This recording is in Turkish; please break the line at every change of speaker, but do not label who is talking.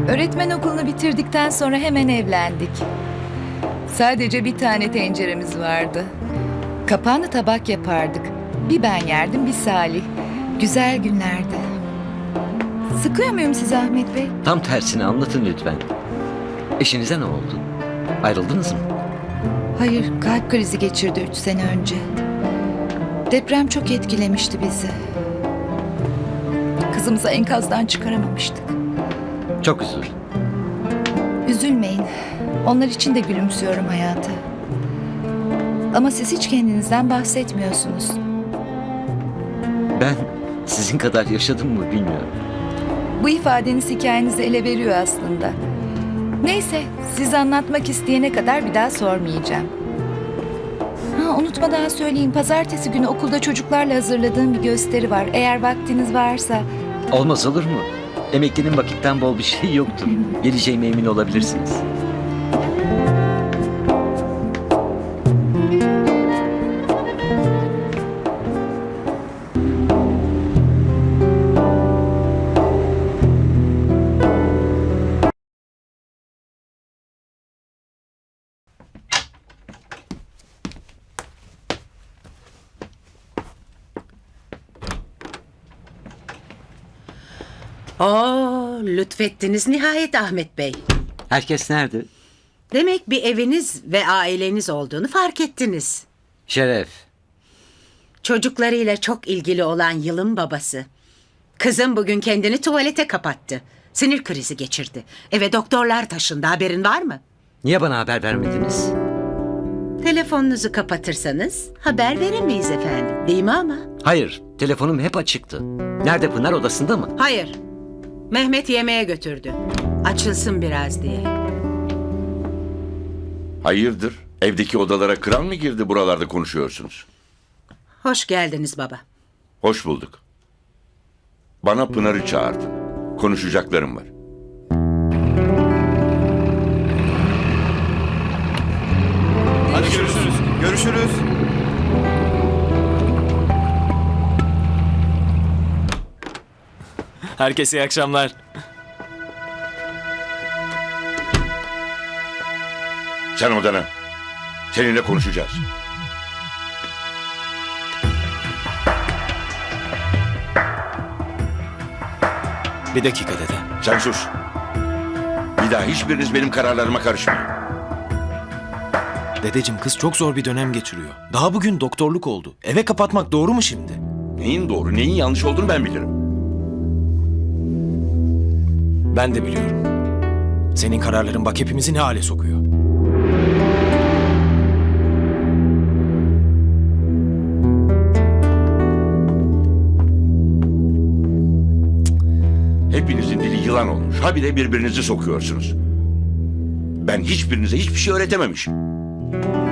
Öğretmen okulunu bitirdikten sonra hemen evlendik. Sadece bir tane tenceremiz vardı. Kapağını tabak yapardık. Bir ben yerdim, bir Salih. Güzel günlerdi. Sıkıyor muyum sizi Ahmet Bey?
Tam tersini anlatın lütfen. Eşinize ne oldu? Ayrıldınız mı?
Hayır, kalp krizi geçirdi 3 sene önce. Deprem çok etkilemişti bizi. Kızımızı enkazdan çıkaramamıştık.
Çok üzüldüm.
Üzülmeyin. Onlar için de gülümsüyorum hayata. Ama siz hiç kendinizden bahsetmiyorsunuz.
Ben sizin kadar yaşadım mı bilmiyorum.
Bu ifadeniz hikayenizi ele veriyor aslında. Neyse, siz anlatmak isteyene kadar bir daha sormayacağım. Unutmadan söyleyeyim, pazartesi günü okulda çocuklarla hazırladığım bir gösteri var. Eğer vaktiniz varsa...
Olmaz olur mu? Emeklinin vakitten bol bir şey yoktur. Geleceğime emin olabilirsiniz.
Lütfettiniz nihayet Ahmet Bey.
Herkes nerede?
Demek bir eviniz ve aileniz olduğunu fark ettiniz.
Şeref.
Çocuklarıyla çok ilgili olan Yıl'ın babası. Kızım bugün kendini tuvalete kapattı. Sinir krizi geçirdi. Eve doktorlar taşındı, haberin var mı?
Niye bana haber vermediniz?
Telefonunuzu kapatırsanız haber veremeyiz efendim. Değil mi ama?
Hayır, telefonum hep açıktı. Nerede Pınar, odasında mı?
Hayır. Mehmet yemeğe götürdü. Açılsın biraz diye.
Hayırdır? Evdeki odalara kral mı girdi, buralarda konuşuyorsunuz?
Hoş geldiniz baba.
Hoş bulduk. Bana Pınar'ı çağırdın. Konuşacaklarım var.
Hadi görüşürüz. Görüşürüz.
Herkese iyi akşamlar.
Sen odana. Seninle konuşacağız.
Bir dakika dede.
Sen sus. Bir daha hiçbiriniz benim kararlarıma karışmayın.
Dedeciğim, kız çok zor bir dönem geçiriyor. Daha bugün doktorluk oldu. Eve kapatmak doğru mu şimdi?
Neyin doğru, neyin yanlış olduğunu ben bilirim.
Ben de biliyorum. Senin kararların bak hepimizi ne hale sokuyor.
Hepinizin dili yılan olmuş. Habire birbirinizi sokuyorsunuz. Ben hiçbirinize hiçbir şey öğretememişim.